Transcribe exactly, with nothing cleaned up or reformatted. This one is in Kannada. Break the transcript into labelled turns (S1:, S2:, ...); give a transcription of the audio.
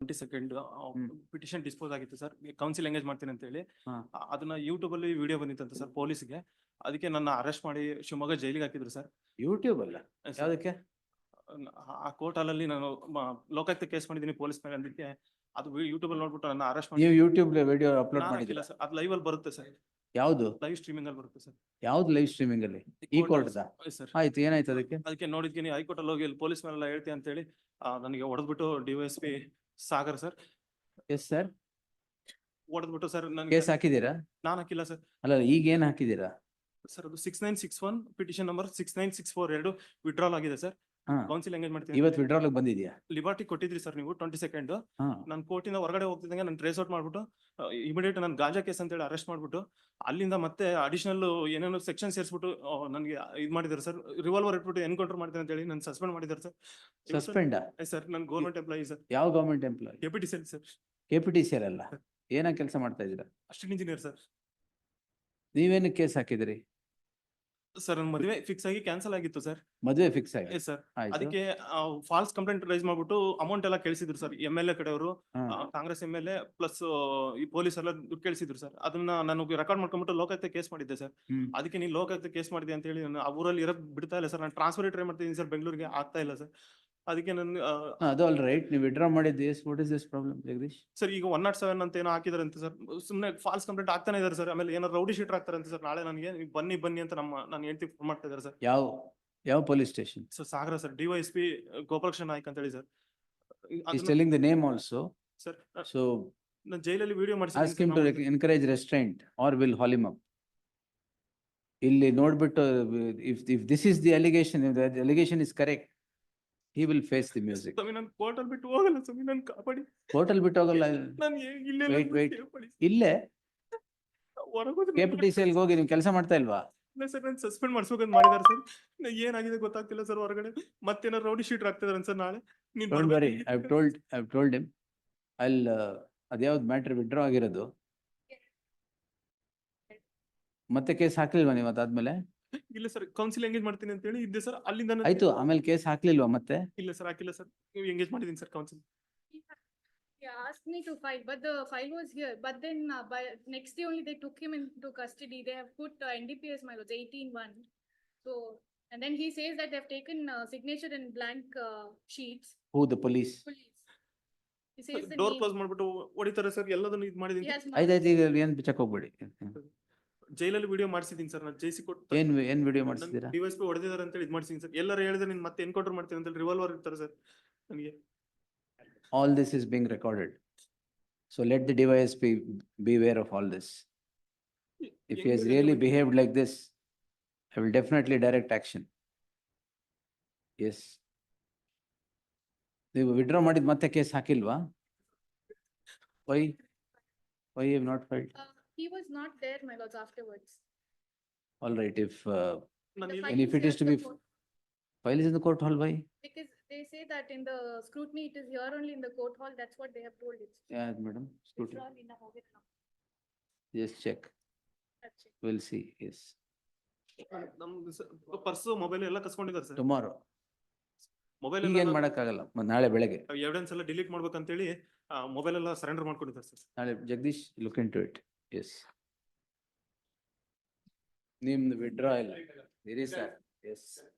S1: Twenty second
S2: hmm.
S1: Petition dispose ಆಗಿತ್ತು ಸರ್, ಕೌನ್ಸಿಲ್ ಎಂಗೇಜ್ ಮಾಡ್ತೀನಿ ಅಂತ ಹೇಳಿ.
S2: ಹಾ.
S1: ಆ- ಅದನ್ನ ಯೂಟ್ಯೂಬ್ ಅಲ್ಲಿ ವಿಡಿಯೋ ಬಂದಿತ್ತಂತೆ ಸರ್ ಪೊಲೀಸ್ಗೆ. ಅದಕ್ಕೆ ನನ್ನ ಅರೆಸ್ಟ್ ಮಾಡಿ ಶಿವಮೊಗ್ಗ ಜೈಲಿಗೆ ಹಾಕಿದ್ರು ಸರ್.
S2: ಯೂಟ್ಯೂಬ್ ಅಲ್ಲ
S1: ಸರ್,
S2: ಯಾವ್ದಕ್ಕೆ?
S1: ಆ ಕೋರ್ಟ್ ಅಲ್ಲಿ ನಾನು ಮ- ಲೋಕಾಯುಕ್ತ ಕೇಸ್ ಮಾಡಿದ್ದೀನಿ ಪೊಲೀಸ್ ಮೇಲೆ ಅಂದಿಕ್ಕೆ ಅದು ಯೂಟ್ಯೂಬ್ ಅಲ್ಲಿ ನೋಡ್ಬಿಟ್ಟು ನನ್ನ ಅರೆಸ್ಟ್ ಮಾಡಿ.
S2: ನೀವು ಯೂಟ್ಯೂಬ್ ವಿಡಿಯೋ ಅಪ್ಲೋಡ್
S1: ನಾನು
S2: ಮಾಡಿದಿಲ್ಲ?
S1: ಹಾಕಿಲ್ಲ ಸರ್, ಅದು ಲೈವ್ ಅಲ್ಲಿ ಬರುತ್ತೆ ಸರ್,
S2: ಯಾವ್ದು
S1: ಲೈವ್ ಸ್ಟ್ರೀಮಿಂಗ್ ಅಲ್ಲಿ ಬರುತ್ತೆ ಸರ್.
S2: ಯಾವ್ದು ಲೈವ್ ಸ್ಟ್ರೀಮಿಂಗ್ ಅಲ್ಲಿ? ಈ ಕೋರ್ಟ್
S1: ಸರ್
S2: ಆಯ್ತು, ಏನಾಯ್ತು ಅದಕ್ಕೆ?
S1: ಅದಕ್ಕೆ ನೋಡಿದ್ಕಿನಿ ಹೈಕೋರ್ಟ್ ಅಲ್ಲಿ ಹೋಗಿ ಪೊಲೀಸ್ ಮೇಲೆಲ್ಲ ಹೇಳ್ತೀನಿ ಅಂತ ಹೇಳಿ ನನಗೆ ಹೊಡೆದ್ಬಿಟ್ಟು DYSP Sagar sir
S2: yes sir,
S1: ಹೊಡೆದ್ಬಿಟ್ಟು ಸರ್ ನನಗೆ.
S2: ಕೇಸ್ ಹಾಕಿದೀರಾ?
S1: ನಾನು ಹಾಕಿಲ್ಲ ಸರ್.
S2: ಅಲ್ಲ, ಈಗ ಏನ್ ಹಾಕಿದೀರಾ?
S1: ಸರ್ ಅದು six nine six one petition number six nine six four ಎರಡು ವಿಡ್ರಾಲ್ ಆಗಿದೆ ಸರ್.
S2: ಹಾ.
S1: ಕೌನ್ಸಿಲ್ ಎಂಗೇಜ್ ಮಾಡ್ತೀನಿ.
S2: ಇವತ್ತು ವಿಡ್ರಾಲ್ ಬಂದಿದ್ಯಾ?
S1: ಲಿಬರ್ಟಿ ಕೊಟ್ಟಿದ್ರಿ ಸರ್ ನೀವು ಟ್ವೆಂಟಿ ಸೆಕೆಂಡ್.
S2: ಹಾ.
S1: ನಾನು ಕೋರ್ಟಿಂದ ಹೊರಗಡೆ ಹೋಗ್ತಿದ್ದಂಗೆ ನಾನು ಟ್ರೇಸ್ ಔಟ್ ಮಾಡ್ಬಿಟ್ಟು ಇಮಿಡಿಯೇಟ್ ನಾನು ಗಾಂಜಾ ಕೇಸ್ ಅಂತ ಹೇಳಿ ಅರೆಸ್ಟ್ ಮಾಡ್ಬಿಟ್ಟು ಅಲ್ಲಿಂದ ಮತ್ತೆ ಅಡಿಷನಲ್ ಏನೇನೋ ಸೆಕ್ಷನ್ ಸೇರಿಸ್ಬಿಟ್ಟು ನನಗೆ ಇದು ಮಾಡಿದ್ದಾರೆ ಸರ್. ರಿವಾಲ್ವರ್ ಇಟ್ಬಿಟ್ಟು ಎನ್ಕೌಂಟರ್ ಮಾಡ್ತೀನಿ ಅಂತ ಹೇಳಿ ನಾನು ಸಸ್ಪೆಂಡ್ ಮಾಡಿದ್ದಾರೆ ಸರ್.
S2: ಸಸ್ಪೆಂಡ್?
S1: ಸರ್ ನಾನು ಗೌರ್ಮೆಂಟ್ ಎಂಪ್ಲಾಯಿ ಸರ್.
S2: ಯಾವ government employee?
S1: Deputy sir sir
S2: K P T C ಅಲ್ಲ, ಏನ ಕೆಲಸ ಮಾಡ್ತಾ ಇದ್ದೀರಾ?
S1: Assistant engineer sir.
S2: ನೀವೇನು ಕೇಸ್ ಹಾಕಿದಿರಿ?
S1: ಸರ್ ನನ್ನ ಮದುವೆ ಫಿಕ್ಸ್ ಆಗಿ ಕ್ಯಾನ್ಸಲ್ ಆಗಿತ್ತು ಸರ್.
S2: ಮದುವೆ ಫಿಕ್ಸ್ ಆಗಿ?
S1: Yes sir.
S2: ಆಯ್ತು.
S1: ಅದಕ್ಕೆ ಫಾಲ್ಸ್ ಕಂಪ್ಲೇಂಟ್ ರೈಸ್ ಮಾಡ್ಬಿಟ್ಟು ಅಮೌಂಟ್ ಎಲ್ಲ ಕೇಳಿಸಿದ್ರು ಸರ್. ಎಂ ಎಲ್ ಎ ಕಡೆಯವರು,
S2: ಹಾ.
S1: Congress M L A plus ಈ ಪೊಲೀಸ್ ಎಲ್ಲ ದುಡ್ಡು ಕೇಳಿಸಿದ್ರು ಸರ್. ಅದನ್ನ ನಾನು ರೆಕಾರ್ಡ್ ಮಾಡ್ಕೊಂಡ್ಬಿಟ್ಟು ಲೋಕಾಯುಕ್ತ ಕೇಸ್ ಮಾಡಿದ್ದೆ ಸರ್.
S2: ಹ್ಮ್.
S1: ಅದಕ್ಕೆ ನೀವು ಲೋಕಾಯುಕ್ತ ಕೇಸ್ ಮಾಡಿದೆ ಅಂತ ಹೇಳಿ ನಾನು ಆ ಊರಲ್ಲಿ ಇರಕ್ ಬಿಡ್ತಾ ಇಲ್ಲ ಸರ್. ನಾನು ಟ್ರಾನ್ಸ್ಫರ್ ಟ್ರೈ ಮಾಡ್ತಿದ್ದೀನಿ ಸರ್, ಬೆಂಗಳೂರಿಗೆ ಆಗ್ತಾ ಇಲ್ಲ ಸರ್. ಅದಕ್ಕೆ ನಾನು
S2: ಹಾ, ಅದು ಆಲ್ ರೈಟ್. ನೀವು ವಿಡ್ರಾ ಮಾಡಿದ್ದು yes what is this problem Jagadish?
S1: Sir ಈಗ ಒನ್ ನಾಟ್ ಸೆವೆನ್ ಅಂತ ಏನೋ ಹಾಕಿದಾರೆ ಅಂತ ಸರ್. ಸುಮ್ಮನೆ ಫಾಲ್ಸ್ ಕಂಪ್ಲೇಂಟ್ ಆಗ್ತಾನೆ ಇದಾರೆ ಸರ್. ಆಮೇಲೆ ಏನೋ ರೌಡಿ ಶೀಟರ್ ಆಗ್ತಾರೆ ಅಂತ ಸರ್. ನಾಳೆ ನನಗೆ ನೀವು ಬನ್ನಿ ಬನ್ನಿ ಅಂತ ನಮ್ಮ ನಾನು ಹೇಳ್ತಿ ಫೋನ್ ಮಾಡ್ತಾ ಇದ್ದಾರೆ ಸರ್.
S2: ಯಾವ ಯಾವ police station?
S1: Sir Sagara sir, DYSP Gopalakrishna Naik ಅಂತ ಹೇಳಿ sir.
S2: He's telling the name also.
S1: Sir
S2: So
S1: ನಾನು ಜೈಲಲ್ಲಿ ವಿಡಿಯೋ
S2: ask him to
S1: ಮಾಡಿಸಿ
S2: encourage restraint or will haul him up. ಇಲ್ಲಿ ನೋಡ್ಬಿಟ್ಟು if if this is the allegation, if the allegation is correct, he will face the music.
S1: ಸ್ವಾಮಿ ನಾನು ಕೋರ್ಟ್ ಅಲ್ಲಿ ಬಿಟ್ಟು ಹೋಗಲ್ಲ ಸ್ವಾಮಿ, ನಾನು ಕಾಪಾಡಿ.
S2: ಕೋರ್ಟ್ ಅಲ್ಲಿ ಬಿಟ್ಟು ಹೋಗಲ್ಲ.
S1: ನಾನು ಇಲ್ಲೇ
S2: Wait, wait. ಇಲ್ಲೇ ಕೆ ಪಿ ಟಿ ಸಿ ಅಲ್ಲಿ ಹೋಗಿ ನೀವು ಕೆಲಸ ಮಾಡ್ತಾ ಇಲ್ವಾ?
S1: ಇಲ್ಲ ಸರ್, ನಾನು ಸಸ್ಪೆಂಡ್ ಮಾಡಿಸ್ಬೇಕಂತ ಮಾಡಿದಾರೆ ಸರ್. ಏನಾಗಿದೆ ಗೊತ್ತಾಗ್ತಿಲ್ಲ ಸರ್. ಹೊರಗಡೆ ಮತ್ತೇನಾರು ರೌಡಿ ಶೀಟರ್ ಆಗ್ತಿದಾರೆ ಸರ್. ನಾಳೆ ನೀನ್
S2: Don't worry,
S1: ಬರ್ಬೇಕು.
S2: I've told I've told him. I'll uh, ಅದ್ಯಾವ್ದು ಮ್ಯಾಟ್ರ್ ವಿಡ್ರಾ ಆಗಿರೋದು? ಮತ್ತೆ ಕೇಸ್ ಹಾಕ್ಲಿಲ್ವಾ ನೀವು ಅದಾದ್ಮೇಲೆ?
S1: ಇಲ್ಲ ಸರ್, ಕೌನ್ಸಿಲ್ ಎಂಗೇಜ್ ಮಾಡ್ತೀನಿ ಅಂತ ಹೇಳಿ ಇದ್ದೆ ಸರ್. ಅಲ್ಲಿಂದ ನಾನು-
S2: ಆಯ್ತು, ಆಮೇಲೆ ಕೇಸ್ ಹಾಕ್ಲಿಲ್ವಾ ಮತ್ತೆ?
S1: ಇಲ್ಲ ಸರ್, ಹಾಕಿಲ್ಲ ಸರ್. ನೀವು ಎಂಗೇಜ್ ಮಾಡಿದೀನಿ sir counsel.
S3: He asked me to file, but the file was here. But then uh, by next day only they took him into custody. They have put uh, N D P S my lords eighteen one. So and then he says that they have taken uh, signature in blank uh, sheets.
S2: Who, the police?
S3: Police. He says the
S1: door
S3: name.
S1: Close ಮಾಡ್ಬಿಟ್ಟು ಹೊಡಿತಾರೆ ಸರ್. ಎಲ್ಲದನ್ನು ಇದು
S3: He
S1: ಮಾಡಿದೀನಿ.
S3: has
S2: ಆಯ್ತು ಆಯ್ತು, ಈಗ ಏನ್ ಬಿಚ್ಚಕ್ ಹೋಗ್ಬೇಡಿ.
S1: ಜೈಲಲ್ಲಿ ವಿಡಿಯೋ ಮಾಡಿಸಿದೀನಿ ಸರ್. ನಾನು ಜೈಸಿ ಕೊಟ್ಟು
S2: ಏನ್ ಏನ್ ವಿಡಿಯೋ ಮಾಡಿಸಿದೀರಾ?
S1: ಡಿವೈಸ್ ಪಿ ಹೊಡೆದಿದ್ದಾರೆ ಅಂತ ಹೇಳಿ ಇದು ಮಾಡಿಸಿದೀನಿ ಸರ್. ಎಲ್ಲರೂ ಹೇಳಿದ್ರೆ ನೀನ್ ಮತ್ತೆ ಎನ್ಕೌಂಟರ್ ಮಾಡ್ತೀನಿ ಅಂತ ಹೇಳಿ ರಿವಾಲ್ವರ್ ಇರ್ತಾರೆ ಸರ್ ನನಗೆ.
S2: All this is being recorded. So let the device be beware of all this. If he has really behaved like this, I will definitely direct action. Yes. ನೀವು ವಿಡ್ರಾ ಮಾಡಿದ ಮತ್ತೆ ಕೇಸ್ ಹಾಕಿಲ್ವಾ? Why? Why you have not filed?
S3: Uh, he was not there, my lords, afterwards.
S2: All right, if uh,
S1: ನಾನು
S3: The
S1: ಇಲ್ಲಿ-
S3: file
S2: And if
S3: is
S2: it
S3: here
S2: is to
S3: at the
S2: be-
S3: court.
S2: file is in the court hall, why?
S3: Because they say that in the scrutiny it is here only in the court hall. That's what they have told it.
S2: Yeah, madam, scrutiny.
S3: Withdrawn in a hogan now.
S2: Just check.
S3: That's it.
S2: We'll see, yes.
S1: ನಮ್ದು ಪರ್ಸು ಮೊಬೈಲ್ ಎಲ್ಲ ಕಸ್ಕೊಂಡಿದ್ದಾರೆ ಸರ್.
S2: Tomorrow.
S1: ಮೊಬೈಲ್
S2: ಈಗ ಏನ್ ಮಾಡಕ್ಕಾಗಲ್ಲ, ಮ- ನಾಳೆ ಬೆಳಗ್ಗೆ.
S1: ಎವಿಡೆನ್ಸ್ ಎಲ್ಲ ಡಿಲೀಟ್ ಮಾಡ್ಬೇಕಂತೇಳಿ ಮೊಬೈಲ್ ಎಲ್ಲ ಸರೆಂಡರ್ ಮಾಡ್ಕೊಂಡಿದ್ದಾರೆ ಸರ್.
S2: ನಾಳೆ Jagadish look into it. Yes, ನಿಮ್ದು ವಿಡ್ರಾ ಇಲ್ಲ ಇರಿ ಸರ್. ಎಸ್.